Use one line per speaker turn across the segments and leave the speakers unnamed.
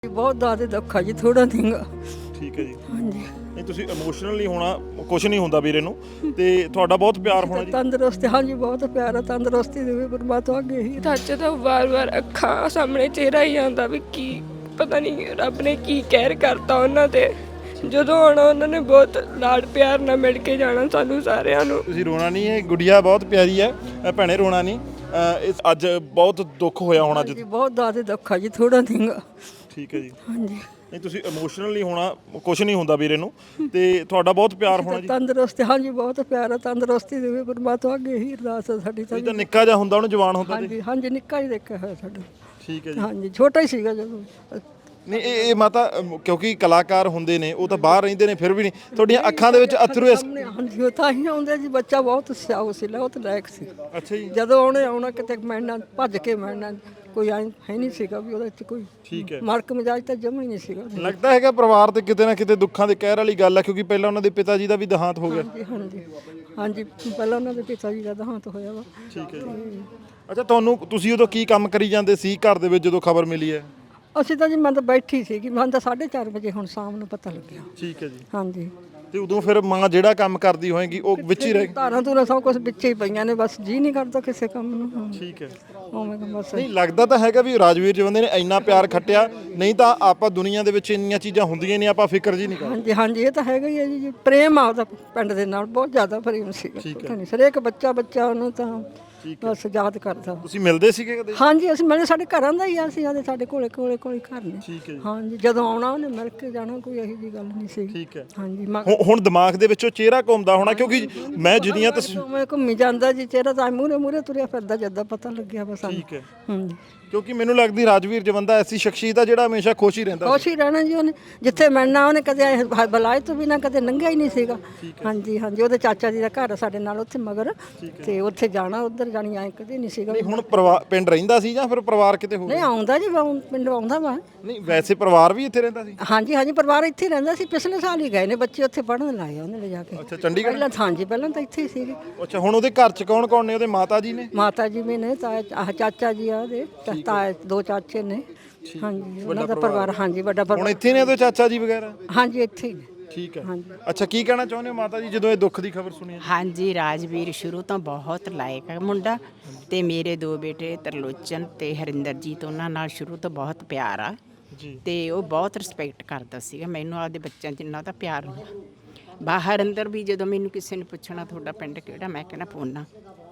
बहुत ज़्यादा दुख है जी, थोड़ा नहीं गा।
ਠੀਕ ਹੈ ਜੀ।
ਹਾਂਜੀ
ਨਹੀਂ ਤੁਸੀਂ ਇਮੋਸ਼ਨਲ ਨਹੀਂ ਹੋਣਾ, ਕੁਝ ਨਹੀਂ ਹੁੰਦਾ ਵੀਰੇ ਨੂੰ, ਤੇ ਤੁਹਾਡਾ ਬਹੁਤ ਪਿਆਰ ਹੋਣਾ ਜੀ।
ਤੰਦਰੁਸਤੀ, ਹਾਂਜੀ ਬਹੁਤ ਪਿਆਰ ਹੈ, ਤੰਦਰੁਸਤੀ ਦੇਵੇ ਪਰਮਾਤਮਾ ਅੱਗੇ ਹੀ।
ਸੱਚ ਤਾਂ ਵਾਰ-ਵਾਰ ਅੱਖਾਂ ਸਾਹਮਣੇ ਚਿਹਰਾ ਹੀ ਆਉਂਦਾ ਵੀ ਕੀ ਪਤਾ ਨਹੀਂ ਰੱਬ ਨੇ ਕੀ ਕਹਿਰ ਕਰਤਾ ਉਹਨਾਂ ਤੇ। ਜਦੋਂ ਆਉਣਾ ਉਹਨਾਂ ਨੇ ਬਹੁਤ ਲਾਡ ਪਿਆਰ ਨਾਲ ਮਿਲ ਕੇ ਜਾਣਾ ਸਾਨੂੰ ਸਾਰਿਆਂ ਨੂੰ।
ਤੁਸੀਂ ਰੋਣਾ ਨਹੀਂ, ਇਹ ਗੁੜੀਆ ਬਹੁਤ ਪਿਆਰੀ ਹੈ, ਭੈਣੇ ਰੋਣਾ ਨਹੀਂ। ਇਸ ਅੱਜ ਬਹੁਤ ਦੁੱਖ ਹੋਇਆ ਹੋਣਾ
ਜੀ ਬਹੁਤ ਜ਼ਿਆਦਾ ਦੁੱਖ ਹੈ ਜੀ, ਥੋੜਾ ਨਹੀਂ ਗਾ।
ਠੀਕ ਹੈ ਜੀ।
ਹਾਂਜੀ
ਨਹੀਂ ਤੁਸੀਂ ਇਮੋਸ਼ਨਲ ਨਹੀਂ ਹੋਣਾ, ਕੁਝ ਨਹੀਂ ਹੁੰਦਾ ਵੀਰੇ ਨੂੰ, ਤੇ ਤੁਹਾਡਾ ਬਹੁਤ ਪਿਆਰ ਹੋਣਾ ਜੀ।
ਤੰਦਰੁਸਤੀ, ਹਾਂਜੀ ਬਹੁਤ ਪਿਆਰ ਹੈ, ਤੰਦਰੁਸਤੀ ਦੇਵੇ ਪਰਮਾਤਮਾ ਅੱਗੇ ਹੀ ਅਰਦਾਸ ਹੈ ਸਾਡੀ ਤਾਂ।
ਇਹ ਤਾਂ ਨਿੱਕਾ ਜਿਹਾ ਹੁੰਦਾ, ਉਹਨੂੰ ਜਵਾਨ ਹੁੰਦਾ ਤੇ।
ਹਾਂਜੀ ਹਾਂਜੀ ਨਿੱਕਾ ਹੀ ਦੇਖਿਆ ਹੋਇਆ ਸਾਡਾ।
ਠੀਕ ਹੈ ਜੀ।
ਹਾਂਜੀ ਛੋਟਾ ਹੀ ਸੀਗਾ ਜਦੋਂ।
ਨਹੀਂ ਇਹ ਮਾਤਾ ਕਿਉਂਕਿ ਕਲਾਕਾਰ ਹੁੰਦੇ ਨੇ, ਉਹ ਤਾਂ ਬਾਹਰ ਰਹਿੰਦੇ ਨੇ, ਫਿਰ ਵੀ ਨਹੀਂ ਤੁਹਾਡੀਆਂ ਅੱਖਾਂ ਦੇ ਵਿੱਚ ਅਥਰੂ ਇਸ।
ਹਾਂਜੀ ਉਹ ਤਾਂ ਹੀ ਆਉਂਦੇ ਜੀ, ਬੱਚਾ ਬਹੁਤ ਸਿਆਉ ਸੀ, ਬਹੁਤ ਲਾਇਕ ਸੀ।
ਅੱਛਾ ਜੀ।
ਜਦੋਂ ਉਹਨੇ ਆਉਣਾ ਕਿਤੇ ਮਿਲਣਾ, ਭੱਜ ਕੇ ਮਿਲਣਾ, ਕੋਈ ਐਂ ਹੈ ਨਹੀਂ ਸੀਗਾ ਵੀ ਉਹਦੇ ਚ ਕੋਈ
ਠੀਕ ਹੈ।
ਮਲਕ ਮਿਜਾਜ ਤਾਂ ਜਮਾ ਹੀ ਨਹੀਂ ਸੀਗਾ।
ਲੱਗਦਾ ਹੈਗਾ ਪਰਿਵਾਰ ਤੇ ਕਿਤੇ ਨਾ ਕਿਤੇ ਦੁੱਖਾਂ ਦੇ ਕਹਿਰ ਵਾਲੀ ਗੱਲ ਹੈ, ਕਿਉਂਕਿ ਪਹਿਲਾਂ ਉਹਨਾਂ ਦੇ ਪਿਤਾ ਜੀ ਦਾ ਵੀ ਦੇਹਾਂਤ ਹੋ ਗਿਆ।
ਹਾਂਜੀ ਹਾਂਜੀ ਹਾਂਜੀ ਪਹਿਲਾਂ ਉਹਨਾਂ ਦੇ ਪਿਤਾ ਜੀ ਦਾ ਦੇਹਾਂਤ ਹੋਇਆ ਵਾ।
ਠੀਕ ਹੈ ਜੀ। ਅੱਛਾ ਤੁਸੀਂ ਉਦੋਂ ਕੀ ਕੰਮ ਕਰੀ ਜਾਂਦੇ ਸੀ ਘਰ ਦੇ ਵਿੱਚ ਜਦੋਂ ਖਬਰ ਮਿਲੀ ਹੈ?
ਅਸੀਂ ਤਾਂ ਜੀ ਮੈਂ ਤਾਂ ਬੈਠੀ ਸੀਗੀ, ਮੈਂ ਤਾਂ 4:30 ਵਜੇ ਹੁਣ ਸ਼ਾਮ ਨੂੰ ਪਤਾ ਲੱਗਿਆ।
ਠੀਕ ਹੈ ਜੀ।
ਹਾਂਜੀ
ਤੇ ਉਦੋਂ ਫਿਰ ਮਾਂ ਜਿਹੜਾ ਕੰਮ ਕਰਦੀ ਹੋਏਗੀ ਉਹ ਵਿੱਚ ਹੀ ਰਹਿ।
ਧਾਰਾਂ ਧੂਰਾਂ ਸਭ ਕੁਝ ਵਿੱਚ ਹੀ ਪਈਆਂ ਨੇ, ਬਸ ਜੀ ਨਹੀਂ ਕਰਦਾ ਕਿਸੇ ਕੰਮ ਨੂੰ। ਹਾਂ।
ਠੀਕ ਹੈ।
ਉਵੇਂ ਤਾਂ ਬਸ
ਨਹੀਂ ਲੱਗਦਾ ਤਾਂ ਹੈਗਾ ਵੀ ਰਾਜਵੀਰ ਜਵੰਦੇ ਨੇ ਇੰਨਾ ਪਿਆਰ ਖੱਟਿਆ, ਨਹੀਂ ਤਾਂ ਆਪਾਂ ਦੁਨੀਆ ਦੇ ਵਿੱਚ ਇੰਨੀਆਂ ਚੀਜ਼ਾਂ ਹੁੰਦੀਆਂ ਨਹੀਂ, ਆਪਾਂ ਫਿਕਰ ਜੀ ਨਹੀਂ ਕਰਦੇ।
ਹਾਂਜੀ ਹਾਂਜੀ ਇਹ ਤਾਂ ਹੈਗਾ ਹੀ ਹੈ ਜੀ, ਪ੍ਰੇਮ ਆ ਉਹਦਾ ਪਿੰਡ ਦੇ ਨਾਲ, ਬਹੁਤ ਜ਼ਿਆਦਾ ਪ੍ਰੇਮ ਸੀਗਾ। ਪਤਾ ਨਹੀਂ ਹਰੇਕ ਬੱਚਾ ਉਹਨੂੰ ਤਾਂ ਬਸ ਯਾਦ ਕਰਦਾ।
ਤੁਸੀਂ ਮਿਲਦੇ ਸੀਗੇ ਕਦੇ?
ਹਾਂਜੀ ਅਸੀਂ ਮਿਲੇ, ਸਾਡੇ ਘਰਾਂ ਦਾ ਹੀ ਆ, ਅਸੀਂ ਸਾਡੇ ਕੋਲੇ ਘਰ ਨੇ।
ਠੀਕ ਹੈ ਜੀ।
ਹਾਂਜੀ ਜਦੋਂ ਆਉਣਾ ਉਹਨੇ ਮਿਲ ਕੇ ਜਾਣਾ, ਕੋਈ ਇਹੋ ਜਿਹੀ ਗੱਲ ਨਹੀਂ ਸੀ।
ਠੀਕ ਹੈ।
ਹਾਂਜੀ
ਹੁਣ ਦਿਮਾਗ ਦੇ ਵਿੱਚੋਂ ਚਿਹਰਾ ਘੁੰਮਦਾ ਹੋਣਾ, ਕਿਉਂਕਿ ਮੈਂ ਜਿੰਨੀਆਂ
ਮੈਂ ਘੁੰਮੀ ਜਾਂਦਾ ਜੀ, ਚਿਹਰਾ ਤਾਂ ਮੂਹਰੇ ਤੁਰਿਆ ਫਿਰਦਾ ਜਦੋਂ ਪਤਾ ਲੱਗਿਆ ਬਸ।
ਠੀਕ ਹੈ।
ਹਾਂਜੀ
ਕਿਉਂਕਿ ਮੈਨੂੰ ਲੱਗਦੀ ਰਾਜਵੀਰ ਜਵੰਦਾ ਐਸੀ ਸ਼ਖਸੀਅਤ ਆ ਜਿਹੜਾ ਹਮੇਸ਼ਾ ਖੁਸ਼ ਹੀ ਰਹਿੰਦਾ।
ਖੁਸ਼ ਹੀ ਰਹਿਣਾ ਜੀ ਉਹਨੇ, ਜਿੱਥੇ ਮਿਲਣਾ ਉਹਨੇ ਕਦੇ ਬੁਲਾਏ ਤੋਂ ਬਿਨਾਂ ਕਦੇ ਲੰਘਿਆ ਹੀ ਨਹੀਂ ਸੀਗਾ। ਹਾਂਜੀ ਹਾਂਜੀ ਉਹਦੇ ਚਾਚਾ ਜੀ ਦਾ ਘਰ ਸਾਡੇ ਨਾਲ ਉੱਥੇ ਮਗਰ, ਤੇ ਉੱਥੇ ਜਾਣਾ ਉੱਧਰ ਜਾਣੀ ਐ ਕਦੇ ਨਹੀਂ ਸੀਗਾ।
ਨਹੀਂ ਹੁਣ ਪਿੰਡ ਰਹਿੰਦਾ ਸੀ ਜਾਂ ਫਿਰ ਪਰਿਵਾਰ ਕਿਤੇ ਹੋਰ?
ਨਹੀਂ ਆਉਂਦਾ ਜੀ, ਪਿੰਡ ਆਉਂਦਾ ਵਾ।
ਨਹੀਂ ਵੈਸੇ ਪਰਿਵਾਰ ਵੀ ਇੱਥੇ ਰਹਿੰਦਾ ਸੀ?
ਹਾਂਜੀ ਹਾਂਜੀ ਪਰਿਵਾਰ ਇੱਥੇ ਹੀ ਰਹਿੰਦਾ ਸੀ, ਪਿਛਲੇ ਸਾਲ ਹੀ ਗਏ ਨੇ ਬੱਚੇ ਉੱਥੇ ਪੜ੍ਹਨ ਲਾਏ ਉਹਨੇ ਲਿਜਾ ਕੇ।
ਅੱਛਾ ਚੰਡੀਗੜ੍ਹ?
ਪਹਿਲਾਂ ਹਾਂਜੀ ਪਹਿਲਾਂ ਤਾਂ ਇੱਥੇ ਹੀ ਸੀਗੇ।
ਅੱਛਾ ਹੁਣ ਉਹਦੇ ਘਰ 'ਚ ਕੌਣ ਕੌਣ ਨੇ? ਉਹਦੇ ਮਾਤਾ ਜੀ ਨੇ?
ਮਾਤਾ ਜੀ ਵੀ ਨੇ, ਚਾਚਾ ਜੀ ਆ ਉਹਦੇ, ਤਾਏ ਦੋ ਚਾਚੇ ਨੇ। ਹਾਂਜੀ ਉਹਨਾਂ ਦਾ ਪਰਿਵਾਰ, ਹਾਂਜੀ ਵੱਡਾ
ਹੁਣ
ਪਰਿਵਾਰ।
ਇੱਥੇ ਨੇ ਉਹਦੇ ਚਾਚਾ ਜੀ ਵਗੈਰਾ?
ਹਾਂਜੀ ਇੱਥੇ ਹੀ ਨੇ।
ਠੀਕ ਹੈ।
ਹਾਂਜੀ
ਅੱਛਾ ਕੀ ਕਹਿਣਾ ਚਾਹੁੰਦੇ ਹੋ ਮਾਤਾ ਜੀ ਜਦੋਂ ਇਹ ਦੁੱਖ ਦੀ ਖਬਰ ਸੁਣੀ?
ਹਾਂਜੀ ਰਾਜਵੀਰ ਸ਼ੁਰੂ ਤੋਂ ਬਹੁਤ ਲਾਇਕ ਹੈ ਮੁੰਡਾ, ਤੇ ਮੇਰੇ ਦੋ ਬੇਟੇ ਤਰਲੋਚਨ ਤੇ ਹਰਿੰਦਰਜੀਤ, ਉਹਨਾਂ ਨਾਲ ਸ਼ੁਰੂ ਤੋਂ ਬਹੁਤ ਪਿਆਰ ਆ
ਜੀ।
ਤੇ ਉਹ ਬਹੁਤ ਰਿਸਪੈਕਟ ਕਰਦਾ ਸੀਗਾ ਮੈਨੂੰ, ਆਪਦੇ ਬੱਚਿਆਂ ਜਿੰਨਾ ਦਾ ਪਿਆਰ ਹੁੰਦਾ। ਬਾਹਰ ਅੰਦਰ ਵੀ ਜਦੋਂ ਮੈਨੂੰ ਕਿਸੇ ਨੇ ਪੁੱਛਣਾ ਤੁਹਾਡਾ ਪਿੰਡ ਕਿਹੜਾ, ਮੈਂ ਕਹਿਣਾ ਪੂਨਾ,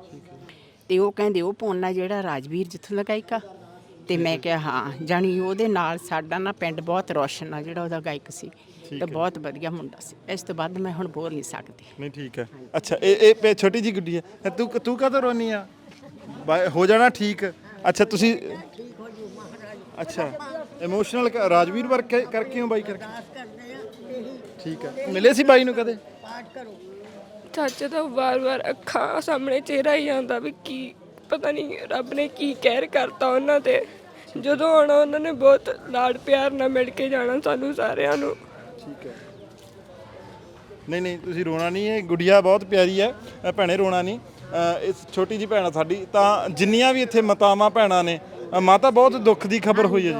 ਤੇ ਉਹ ਕਹਿੰਦੇ ਉਹ ਪੂਨਾ ਜਿਹੜਾ ਰਾਜਵੀਰ ਜਿੱਥੋਂ ਦਾ ਗਾਇਕਾ, ਤੇ ਮੈਂ ਕਿਹਾ ਹਾਂ, ਜਾਣੀ ਉਹਦੇ ਨਾਲ ਸਾਡਾ ਨਾ ਪਿੰਡ ਬਹੁਤ ਰੌਸ਼ਨ ਆ, ਜਿਹੜਾ ਉਹਦਾ ਗਾਇਕ ਸੀ, ਤੇ ਬਹੁਤ ਵਧੀਆ ਮੁੰਡਾ ਸੀ। ਇਸ ਤੋਂ ਬਾਅਦ ਮੈਂ ਹੁਣ ਬੋਲ ਨਹੀਂ ਸਕਦੀ।
ਨਹੀਂ ਠੀਕ ਹੈ। ਅੱਛਾ ਇਹ ਛੋਟੀ ਜੀ ਗੁੱਡੀ ਹੈ, ਤੂੰ ਕਾਹਤੋਂ ਰੋਨੀ ਆ? ਹੋ ਜਾਣਾ ਠੀਕ। ਅੱਛਾ ਤੁਸੀਂ ਅੱਛਾ ਇਮੋਸ਼ਨਲ ਰਾਜਵੀਰ ਵਰਕ ਕਰਕੇ ਹੋ ਬਾਈ ਕਰਕੇ? ਠੀਕ ਹੈ। ਮਿਲੇ ਸੀ ਬਾਈ ਨੂੰ ਕਦੇ?
ਸੱਚ ਤਾਂ ਵਾਰ-ਵਾਰ ਅੱਖਾਂ ਸਾਹਮਣੇ ਚਿਹਰਾ ਹੀ ਆਉਂਦਾ ਵੀ ਕੀ ਪਤਾ ਨਹੀਂ ਰੱਬ ਨੇ ਕੀ ਕਹਿਰ ਕਰਤਾ ਉਹਨਾਂ ਤੇ। ਜਦੋਂ ਆਉਣਾ ਉਹਨਾਂ ਨੇ ਬਹੁਤ ਲਾਡ ਪਿਆਰ ਨਾਲ ਮਿਲ ਕੇ ਜਾਣਾ ਸਾਨੂੰ ਸਾਰਿਆਂ ਨੂੰ।
ਠੀਕ ਹੈ। ਨਹੀਂ ਤੁਸੀਂ ਰੋਣਾ ਨਹੀਂ, ਇਹ ਗੁੜੀਆ ਬਹੁਤ ਪਿਆਰੀ ਹੈ, ਭੈਣੇ ਰੋਣਾ ਨਹੀਂ। ਇਸ ਛੋਟੀ ਜੀ ਭੈਣ ਸਾਡੀ ਤਾਂ ਜਿੰਨੀਆਂ ਵੀ ਇੱਥੇ ਮਾਤਾਵਾਂ ਭੈਣਾਂ ਨੇ, ਮਾਤਾ ਬਹੁਤ ਦੁੱਖ ਦੀ ਖਬਰ ਹੋਈ ਹੈ ਜੀ।